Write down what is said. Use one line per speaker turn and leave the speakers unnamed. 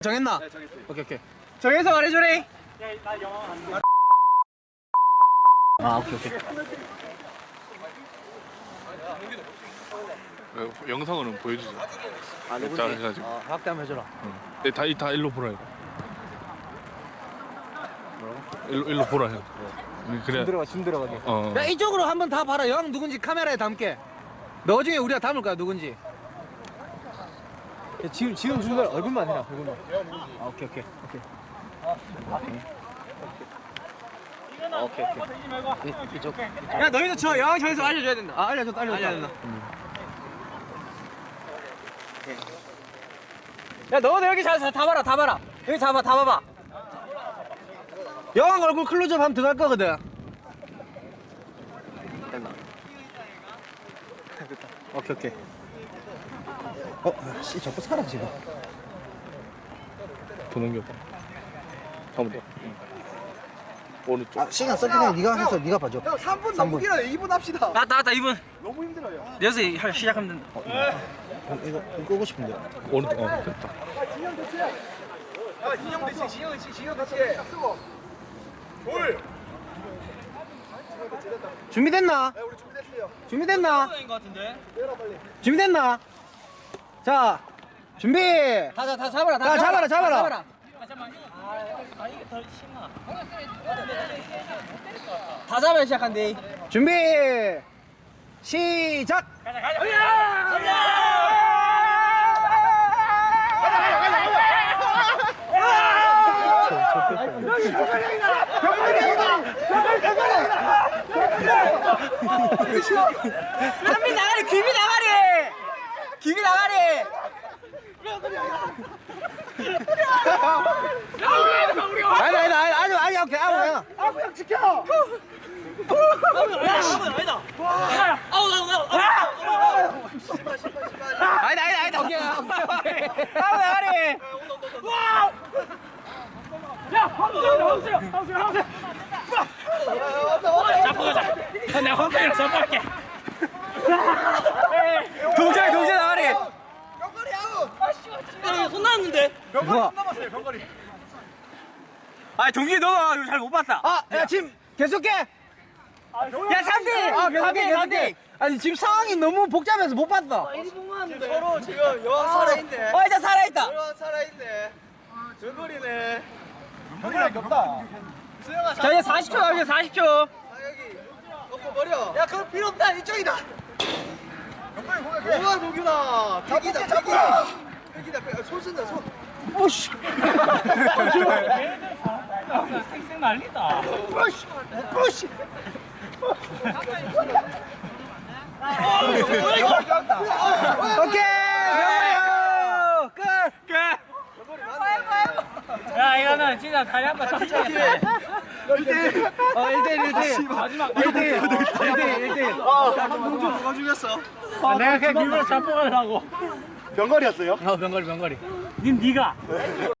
정했나?
네, 정했어요.
오케이. 정해서 말해줘래.
나 영어 안 돼.
아, 오케이.
영상으로는 보여주지.
아,
자, 해가지고.
확대 한번 해줘라.
네, 다 일로 보라 이거. 일로 보라 해. 그래.
줌 들어가게.
어.
야, 이쪽으로 한번 다 봐라. 여왕 누군지 카메라에 담게. 너 중에 우리가 담을 거야, 누군지. 야, 지금 주는 거 얼굴만 해라, 얼굴만. 아, 오케이. 이쪽. 야, 너희도 저 여왕 정해서 알려줘야 된다. 아, 알려줬다. 야, 너도 여기 잘 다 봐라. 여기 다 봐봐. 여왕 얼굴 클로즈업 하면 들어갈 거거든. 됐나? 됐다. 오케이. 씨, 자꾸 사라지네.
더 넘겨봐. 한번 더. 오른쪽.
아, 시간 썩기네. 네가 해서 네가 봐줘.
형 3분 너무 길어요. 2분 합시다.
맞다, 2분.
너무 힘들어요.
여기서 시작하면 된다. 이거 끄고 싶은데.
오른쪽. 됐다.
진영 대체. 야, 진영 대체. 진영 대체. 돌.
준비됐나?
네, 우리 준비됐어요.
준비됐나?
내려라 빨리.
준비됐나? 자, 준비. 다 잡아라. 잡아라. 다 잡아야 시작한대. 준비. 시작. 한미 나가리, 김이 나가리. 아니, 오케이, 아무나.
아부형 지켜.
아니다. 오케이. 아무 나가리. 동재 나가리.
병거리 아웃.
손 나왔는데?
병거리
누가?
손 남았어요. 병거리.
아, 동기 너가 잘 못 봤다. 야, 지금 계속해. 야, 3대. 계속해. 아니, 지금 상황이 너무 복잡해서 못 봤어.
서로 지금 여왕 살아있네.
일단 살아있다.
여왕 살아있네. 병거리네. 병거리밖에 없다. 수영아
자, 이제 40초 남았어요, 40초.
아 여기 놓고 버려. 야 그거 필요 없다. 이쪽이다. 병거리 고개. 뭐야 도규나. 백이다. 손 쓴다 손.
오씨.
쌩쌩 난리다.
오씨. 오케이. 명물이요. 끝.
야, 이거는 진짜 다리 한번 터치겠다.
1대1.
마지막
1대1.
동주 누가 죽였어?
내가 그냥 일부러 잡고 가려고.
병거리였어요?
병거리.
님 니가.